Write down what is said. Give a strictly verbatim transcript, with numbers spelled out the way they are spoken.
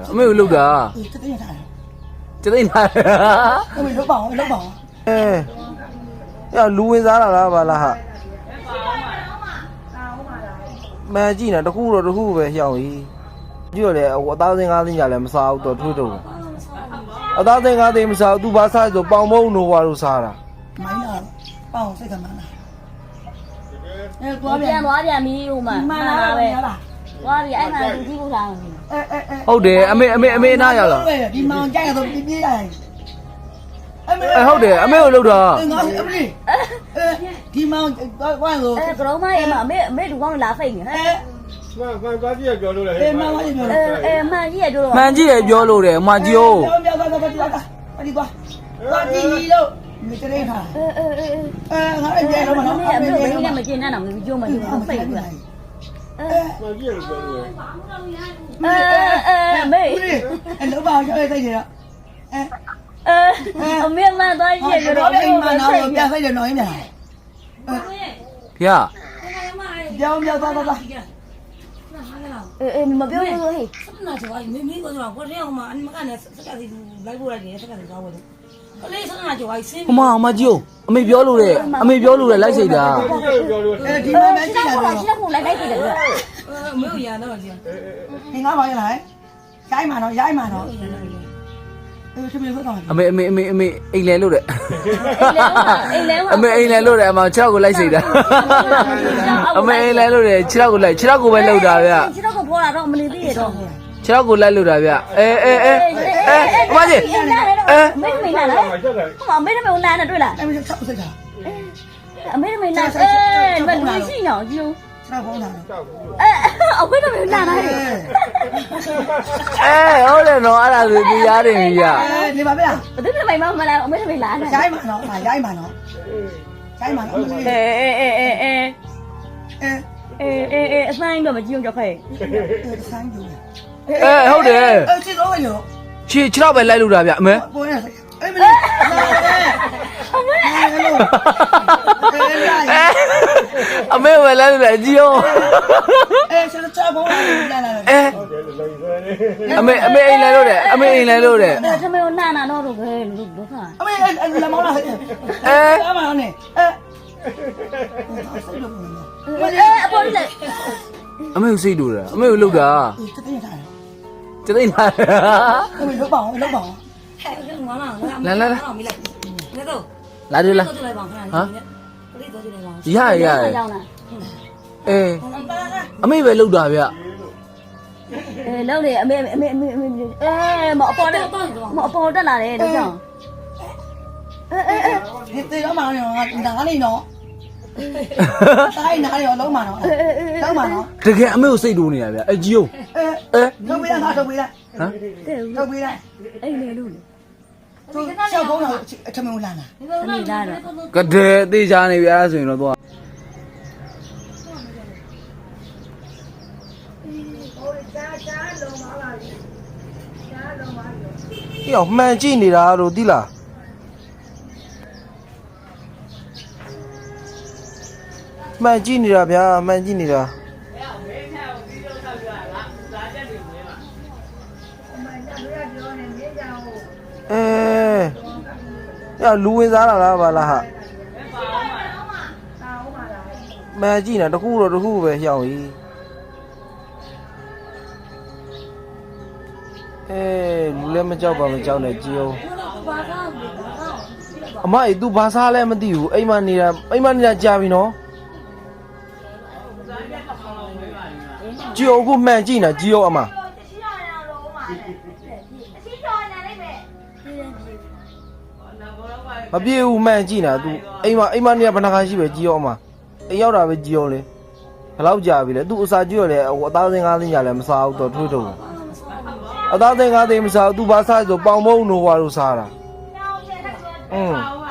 အမေကိုလှုပ်တာတသိန်းထားတယ်ကျသိန်းထားတယ်အမေလောက်ပါအောင်လောက်ပါအောင်အဲရလူဝင်စားတာလားဗလားဟာမကြည့်နေတခုတော့တခုပဲရှောင်းကြီးကြည့်ရလေအသားစင်းကားစင်းကြလည်းမစားဘူးတော့ထွေးတော့အသားစင်းကားစင်းမစားဘူးသူဘာစားဆိုပေါင်မုံနိုဝါလို့စားတာမိုင်းလာပေါအောင်စိတ်ကမှန်းလာအဲ我သွားပြန်变我变米有嘛？ မှန်းလာပဲ我变爱看手机不上。 အဲအဲအဲဟုတ်တယ်အမေအမေအမေနားရောက်လာဒီမောင်ကြိုက်ရတော့ပြပြရတယ်အမေအဲဟုတ်တယ်အမေကိုလှုပ်တာငါအမေအဲဒီမောင်ကွာကို哎，格老妈也嘛，没没路光拉飞呢。 အဲမှန်မှန်သွားကြည့်ရပြောလို့လေအဲမောင်ကပြော呃呃，慢一点就了。 မှန်ကြည့်ရပြောလို့တယ်မကြီးကိုပြောပြောသွားသွားသွားသွားဒီသွားသွားကြည့်လို့မြေတရင်ထား呃呃呃呃。 အဲငါလည်းကြည့်တော့မနော်没有没有，我今天没见那那没就没就飞过来。 အဲမှန်ကြည့်ရပြောလို့လေ呃呃没。 အဲလောပါရောက်လိုက်ကြရအဲ呃，我没慢多一ဒီ点就တော့了。 အိမ်မှာတော့ပြဆိုင်တယ်နော်အင်းများဖေပြောင်းပြောင်းသွားသွားသွား呃呃，你们不要说嘿。 那就话没没个是吧？我这样嘛，你们看那这个是来过来的，这个是找我的。我那时候那就话谁ဟိုမမကြီးကိုအမေပြောလို့တယ်အမေပြောလို့တယ်လိုက်စိတ်တာပြောလို့အဲဒီ呃မှာမ，ကြ现ည့်在ရ过တော့来，现在过来来这个。 呃没有演那个去， ဒီငါပါရလားရိုက်မှာတော့ရိုက်မှာတော့အဲသူမျိုးတော့အမေအမေအမေအမေအိမ်လဲလို့တယ်哎来我。 အမေအိမ်လဲလို့တယ်အမ6ကိုလိုက်စိတ်တာအမေအိမ်လဲလို့တယ်6ကိုလိုက်6ကိုပဲလှုပ်တာဗျ知道个跑了，让我们的地都。 6ကိုလိုက်လှုပ်တာဗျအဲအဲအဲအဲအမကြီး没没拿来，我没没有拿的，对了， အဲမျိုးချက်စိတ်တာ没没拿，哎，没微信了就， ချက်ဖုန်းတာ哎，我没没有拿来， အဲဟုတ်တယ်နော်အဲ့ဒါဆိုတရားတယ်ကြီးကအဲဒီမှာဗျာ我都是没没没来，我没没拿的。 ရိုက်မှာတော့ရိုက်မှာတော့ရိုက်မှာတော့哎哎哎哎哎အဲ哎哎哎，三个没几用就可以。 အဲဆိုင်ယူအဲဟုတ်တယ်အဲချစ်တော့ရောခြေ6ပဲလိုက်လှုပ်တာဗျအမေပေါ်ရအဲမလေးအမေအဲလိုအဲရိုက်အမေပဲလိုက်လှုပ်တယ်အကြီးရောအဲချက်ချက်ဖုန်းလာလာအဲအမေအမေအိမ်လဲလို့တယ်အမေအိမ်လဲလို့တယ်那他没有拿拿到都可以，都都看。 အမေလက်မောင်းလာဟဲ့အဲအမနဲ့အဲစိတ်လို့哎，不是嘞， အမေကိုစိတ်တူတာအမေကိုလှုပ်တာတသိန်းထားတယ်ကျသိန်းထားတယ်အမေလောက်ပါအောင်လောက်ပါအောင်哎，我我那我没来，那都， လာတယ်လား都来帮看，哈，我这都就来帮。 ရရရ要呢。 အေးအမေပဲလှုပ်တာဗျ哎，老嘞，没没没没没，哎，没包的，没包的拿来，都讲。哎哎哎， ဒီတေတော့မှတော့နားနေတော့တိုင်းနားရောလုံးမှတော့လုံးမှတော့တကယ်အမေကိုစိတ်တူနေတာဗျအကြီးရောအဲအဲထုတ်ပေးလားထုတ်ပေးလားဟမ်对， ထုတ်ပေးလား哎，没路嘞， သူချက်ဖုန်းတော့အထမင်းလာလာ没拿着。 ကတဲ့တေးချာနေပြီအဲ့ဒါဆိုရင်တော့သွားဒီအောင်မှန်ကြည့်နေတာတို့သိလားမှန်ကြည့်နေတာဗျာမှန်ကြည့်နေတာအဲရလူဝင်စားတာလားဗလားဟာမှန်ကြည့်နေတခုတော့တခုပဲရှောင်းကြီးအဲလူလည်းမကြောက်ပါမကြောက်နဲ့ကြည်အောင်အမအေး तू ဘာစားလဲမသိဘူးအိမ်မနေတာအိမ်မနေတာကြာပြီနော်ကြည်အောင်ခုမှန်ကြည့်နေကြည်အောင်အမမပြေဘူးမှန်ကြည့်နေ तू အိမ်မအိမ်မနေတာဘယ်နှခါရှိပဲကြည်အောင်အမအိမ်ရောက်တာပဲကြည်အောင်လေဘယ်လောက်ကြာပြီလဲ तू အစာကြည့်ရလေအသားစင်းကားစင်းညာလည်းမစားဘူးတော့ထွေးတော့အသားသိန်းကားသိန်းမစားဘူး तू ဘာစားဆိုပေါင်မုံနိုဝါလို့စားတာอืม